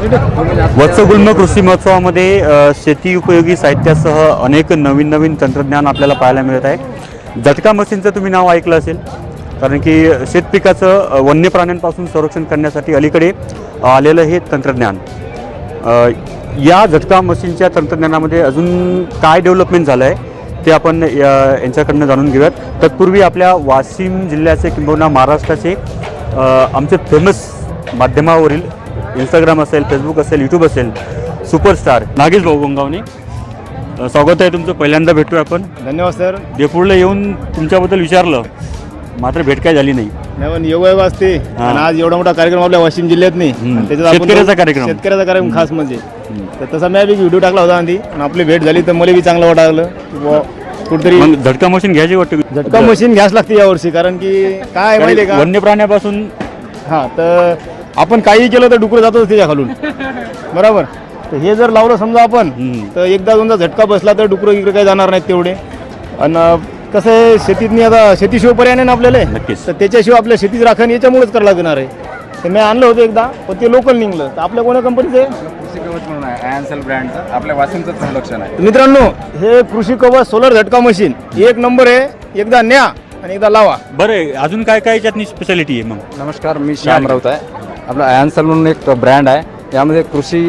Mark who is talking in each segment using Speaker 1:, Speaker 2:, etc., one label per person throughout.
Speaker 1: वत्सगुल्म कृषी महोत्सवामध्ये शेती उपयोगी साहित्यासह अनेक नवीन तंत्रज्ञान आपल्याला पाहायला मिळत आहे। झटका मशीनचं तुम्ही नाव ऐकलं असेल, कारण की शेतपिकाचं वन्य प्राण्यांपासून संरक्षण करण्यासाठी अलीकडे आलेलं हे तंत्रज्ञान। या झटका मशीनच्या तंत्रज्ञानामध्ये अजून काय डेव्हलपमेंट झालं आहे ते आपण यांच्याकडनं जाणून घेऊयात। तत्पूर्वी आपल्या वाशिम जिल्ह्याचे किंबहुना महाराष्ट्राचे आमचे फेमस माध्यमावरील इंस्टाग्राम असेल, फेसबुक असेल, यूट्यूब असेल, सुपरस्टार नागेश भाऊ गोंगावणे, स्वागत आहे तुमचं। पहिल्यांदा भेटतोय आपण।
Speaker 2: धन्यवाद सर।
Speaker 1: देपूरला येऊन तुमच्याबद्दल विचारलं, मात्र भेट काय झाली नाही।
Speaker 2: योग असते आणि आज एवढा मोठा कार्यक्रम आपल्या वाशिम जिल्ह्यात नाही,
Speaker 1: शेतकऱ्याचा कार्यक्रम
Speaker 2: खास म्हणजे तसा मी एक व्हिडिओ टाकला होता आधी आणि आपली भेट झाली तर मला बी चांगलं वाटलं कुठेतरी।
Speaker 1: झटका मशीन घ्यायची वाटतं?
Speaker 2: झटका मशीन घ्यास लागते यावर्षी, कारण की काय माहिती आहे का,
Speaker 1: वन्य प्राण्यापासून
Speaker 2: तर आपण काही केलं तर डुकर जातोच त्याच्या खालून, बरोबर। तर हे जर लावलं समजा आपण तर एकदा दोनदा झटका बसला तर डुकर इकडे काही जाणार नाहीत तेवढे। आणि कसं आहे, शेतीतनी आता शेतीशिवाय पर्याय नाही ना आपल्याला, तर त्याच्याशिवाय आपल्या शेतीची राखण याच्यामुळेच करायला लागणार आहे। तर मी आणलं होतं एकदा, पण ते लोकल निघलं। तर आपल्या कोणत्या कंपनीचं आहे?
Speaker 3: कृषी कवच म्हणून आहे, आयन्सल ब्रँडचं, आपल्या वाशिमचं संरक्षण आहे।
Speaker 2: मित्रांनो, हे कृषी कवच सोलर झटका मशीन एक नंबर आहे, एकदा न्या आणि एकदा लावा।
Speaker 1: बरं, अजून काय काय याच्यातनी स्पेशालिटी आहे मग?
Speaker 3: नमस्कार, मी श्याम राऊत आहे। आपलं आयन्सल म्हणून एक ब्रँड आहे, यामध्ये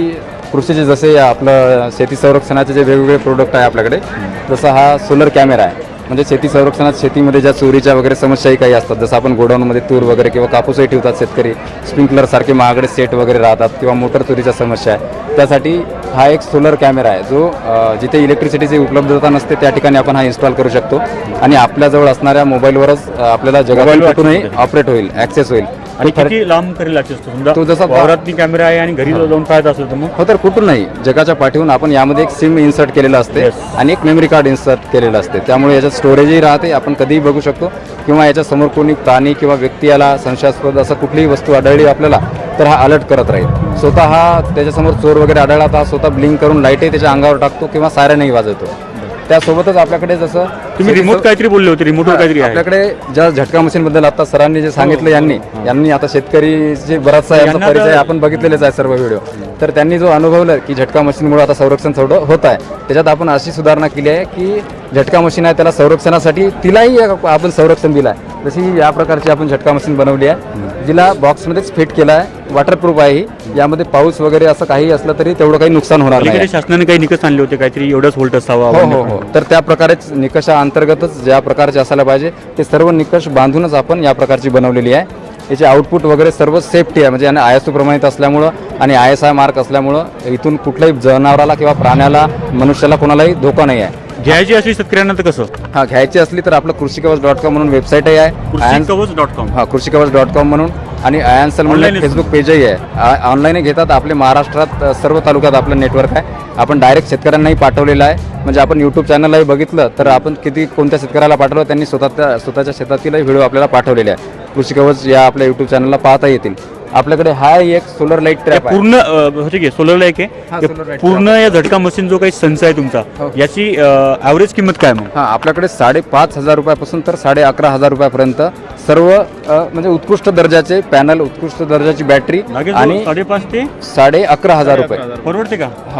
Speaker 3: कृषीचे जसे आपलं शेती संरक्षणाचे जे वेगवेगळे प्रोडक्ट आहे आपल्याकडे, जसं हा सोलर कॅमेरा आहे, म्हणजे शेती संरक्षणात शेतीमध्ये ज्या चोरीच्या वगैरे समस्याही काही असतात, जसं आपण गोडाऊनमध्ये तूर वगैरे किंवा कापूसही ठेवतात शेतकरी, स्प्रिंकलर सारखे महागडे सेट वगैरे राहतात किंवा मोटर चोरीच्या समस्या आहे, त्यासाठी हा एक सोलर कॅमेरा आहे जो जिथे इलेक्ट्रिसिटीची उपलब्धता नसते त्या ठिकाणी आपण हा इन्स्टॉल करू शकतो आणि आपल्याजवळ असणाऱ्या मोबाईलवरच आपल्याला जगातील कुठूनही ऑपरेट होईल, ॲक्सेस होईल।
Speaker 1: आणि किती लांब करेल ॲक्सेस?
Speaker 3: तो जसा
Speaker 1: वावरातनी कॅमेरा आहे आणि घरी जाऊन पाहत असतो तर मग
Speaker 3: हो, तर कुठून नाही, जगाच्या पाठीहून आपण यामध्ये एक सिम इन्सर्ट केलेलं असते आणि एक मेमरी कार्ड इन्सर्ट केलेलं असते, त्यामुळे याच्यात स्टोरेजही राहते, आपण कधीही बघू शकतो। किंवा याच्यासमोर कोणी प्राणी किंवा व्यक्ती याला संशयास्पद असं कुठलीही वस्तू आढळली आपल्याला तर हा अलर्ट करत राहील। स्वतः हा त्याच्यासमोर चोर वगैरे आढळला तर हा स्वतः ब्लिंक करून लाईटही त्याच्या अंगावर टाकतो किंवा सायरनही वाजवतो। त्यासोबतच आपल्याकडे जसं
Speaker 1: तुम्ही रिमोट काहीतरी बोलले होते, रिमोटवर काहीतरी आहे
Speaker 3: आपल्याकडे ज्या झटका मशीन बद्दल आता सरांनी जे सांगितलं, यांनी आता शेतकरी बराचसा यांचा परिचय आपण बघितलेलेच आहे सर्व व्हिडिओ, तर त्यांनी जो अनुभवलं की झटका मशीनमुळे आता संरक्षण थोडं होत आहे, त्याच्यात आपण अशी सुधारणा केली आहे की झटका मशीन आहे त्याला संरक्षणासाठी तिलाही आपण संरक्षण दिलं आहे। जशी या प्रकारची आपण झटका मशीन बनवली आहे, जिला बॉक्समध्येच फिट केला आहे, वॉटरप्रूफ आहे। यामध्ये पाऊस वगैरे असं काही असलं तरी तेवढं काही नुकसान होणार नाही।
Speaker 1: शासनाने काही निकष आणले होते काहीतरी, एवढंच व्होल्ट असावा?
Speaker 3: हो, तर त्या प्रकारेच निकषाअंतर्गतच ज्या प्रकारचे असायला पाहिजे ते सर्व निकष बांधूनच आपण या प्रकारची बनवलेली आहे। याचे आउटपुट वगैरे सर्व सेफ्टी आहे, म्हणजे ISO प्रमाणित असल्यामुळं आणि ISI मार्क असल्यामुळं इथून कुठल्याही जनावराला किंवा प्राण्याला, मनुष्याला कोणालाही धोका नाही आहे।
Speaker 1: घ्यायची असली शेतकऱ्यांना तर कसं?
Speaker 3: हा, घ्यायची असली तर आपलं कृषीकवच.com म्हणून वेबसाईटही आहे,
Speaker 1: कृषीकवच.com,
Speaker 3: हा कृषीकवच.com म्हणून, आणि आयन्सल म्हणून फेसबुक पेजही आहे। ऑनलाईन घेतात, आपले महाराष्ट्रात सर्व तालुक्यात आपलं नेटवर्क आहे, आपण डायरेक्ट शेतकऱ्यांनाही पाठवलेलं आहे। म्हणजे आपण यूट्यूब चॅनललाही बघितलं तर आपण कोणत्या शेतकऱ्याला पाठवलं, त्यांनी स्वतःच्या शेतातीलही व्हिडिओ आपल्याला पाठवलेले आहे। कृषी कवच या आपल्या यूट्यूब चॅनलला पाहता येतील। आपल्याकडे हा एक सोलर लाईट ट्रॅप आहे,
Speaker 1: पूर्ण ठीक आहे, सोलर लाईट आहे पूर्ण। या झटका मशीन जो काही संच आहे तुमचा, याची ॲव्हरेज किंमत काय मग?
Speaker 3: हा, आपल्याकडे 5,500 रुपयापासून तर 11,500 रुपयापर्यंत सर्व म्हणजे उत्कृष्ट दर्जाचे पॅनल, उत्कृष्ट दर्जाची बॅटरी आणि
Speaker 1: 5,500 ते
Speaker 3: 11,500 रुपये
Speaker 1: परवडते का?
Speaker 3: हो,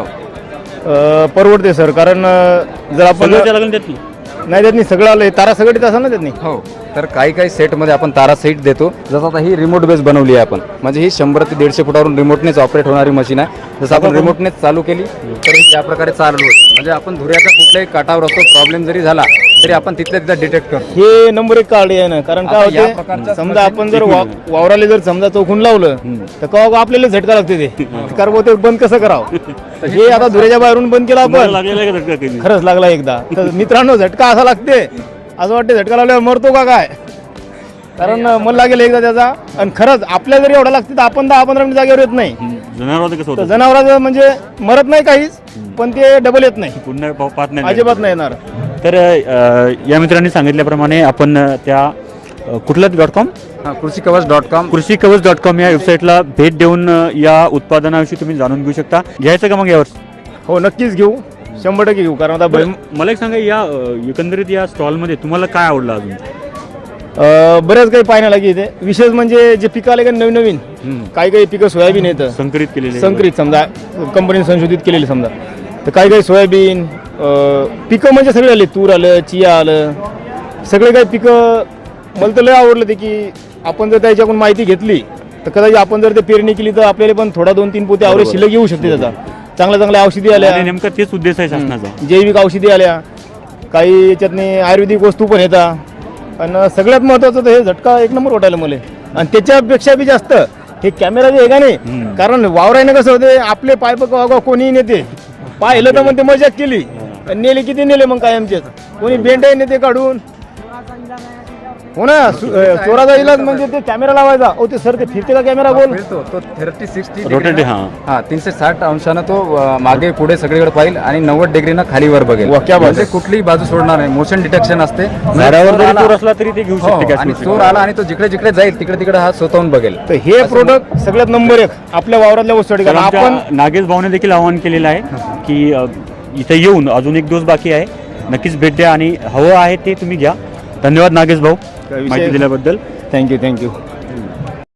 Speaker 2: परवडते सर, कारण जर आपण नाही देत नाही, सगळं आलं तारा सगळं असं ना देत नाही।
Speaker 3: हो, तर काही सेटमध्ये आपण तारा सेट देतो, जसं आता ही रिमोट बेस बनवली आहे आपण, म्हणजे ही 100 ते 150 फुटावरून रिमोटनेच ऑपरेट होणारी मशीन आहे। जसं आपण रिमोटनेच चालू केली तर ही या प्रकारे चालू होते, म्हणजे आपण धुऱ्याच्या कुठल्याही काठावर असतो, प्रॉब्लेम जरी झाला तरी आपण तिथल्या तिथं डिटेक्ट करतो।
Speaker 2: हे नंबर 1 कार्ड आहे ना, कारण काय होते, समजा आपण जर वावराला जर समजा चौकून लावलं तर का आपल्याला झटका लागते, ते कारण ते बंद कसं करावं। हे आता धुऱ्याच्या बाहेरून बंद केला आपण, खरंच लागला एकदा। तर मित्रांनो, झटका असा लागते, असं वाटते झटका लावल्यावर मरतो का काय, कारण मला लागेल एकदा त्याचा। आणि खरंच आपल्या जरी एवढा लागते तर आपण 10-15 मिनिट जागेवर येत नाही। जनावरांचं म्हणजे मरत नाही काहीच, पण ते डबल येत नाही,
Speaker 1: पुन्हा पाहत नाही,
Speaker 2: अजिबात नाही येणार।
Speaker 1: तर या मित्रांनी सांगितल्याप्रमाणे आपण त्या कुठला .com,
Speaker 3: कृषीकवच.com
Speaker 1: या वेबसाईटला भेट देऊन या उत्पादनाविषयी तुम्ही जाणून घेऊ शकता। घ्यायचं का मग यावर?
Speaker 2: हो, नक्कीच घेऊ, 100% घेऊ, कारण आता
Speaker 1: मला एक सांगा, या एकंदरीत या स्टॉलमध्ये तुम्हाला काय आवडलं अजून?
Speaker 2: बऱ्याच काही पाहण्याला इथे विशेष म्हणजे जे पिकं आले का नवीन नवीन काही पिकं सोयाबीन येतं
Speaker 1: संकरित केलेले
Speaker 2: संकरित समजा कंपनीने संशोधित केलेले समजा, तर काही सोयाबीन पिकं म्हणजे सगळे आले, तूर आलं, चिया आलं, सगळे काही पिकं. मला तर लय आवडलं ते की आपण जर त्याच्याकडून माहिती घेतली तर कदाचित आपण जर ते पेरणी केली तर आपल्याला पण थोडा 2-3 पोते आवरेज शिल्लक येऊ शकते त्याचा. चांगल्या औषधी आल्या,
Speaker 1: आणि नेमका तेच उद्देश आहे शासनाचा.
Speaker 2: जैविक औषधी आल्या, काही याच्यातनी आयुर्वेदिक वस्तू पण येतात, आणि सगळ्यात महत्वाचं तर हे झटका एक नंबर वाटायला मला. आणि त्याच्यापेक्षा बी जास्त हे कॅमेरा जे आहे का नाही, कारण वावरायनं कसं होते आपले पाय बघा कोणीही नेते, पाहिलं तर मग ते मजाक केली, नेले किती नेले मग काय आमचे, कोणी बेंडाही नेते काढून. हो ना, चोराचा इलाज म्हणजे ते कॅमेरा लावायचा. ओ ते सर ते फिरते का कॅमेरा गोल
Speaker 3: फिरतो तो 30-60
Speaker 1: रोटेट,
Speaker 3: हा 360 अंशानं तो मागे पुढे सगळीकडे पाहिल आणि 90 डिग्रीनं खालीवर बघेल.
Speaker 2: वा, क्या बात
Speaker 3: म्हणजे कुठलीही बाजू सोडणार नाही. मोशन डिटेक्शन असते.
Speaker 1: झाडावर जरी चोर असला तरी ते घेऊ
Speaker 3: हो,
Speaker 1: शकते
Speaker 3: आणि
Speaker 1: cash
Speaker 3: चोर आला आणि तो जिकडे जिकडे जाईल तिकडे तिकडे हा स्वतःहून बघेल.
Speaker 2: तर हे प्रोडक्ट सगळ्यात नंबर 1 आपल्या वावरातल्या वस्तू.
Speaker 1: तर
Speaker 2: आपण
Speaker 1: आमच्या नागेश भाऊने देखील आवाहन केलेलं आहे की इथे येऊन अजून एक डोस बाकी आहे, नक्कीच भेट द्या आणि हवं आहे ते तुम्ही घ्या. धन्यवाद नागेश भाऊ
Speaker 2: विषय-
Speaker 1: माहिती दिल्याबद्दल.
Speaker 2: थँक्यू.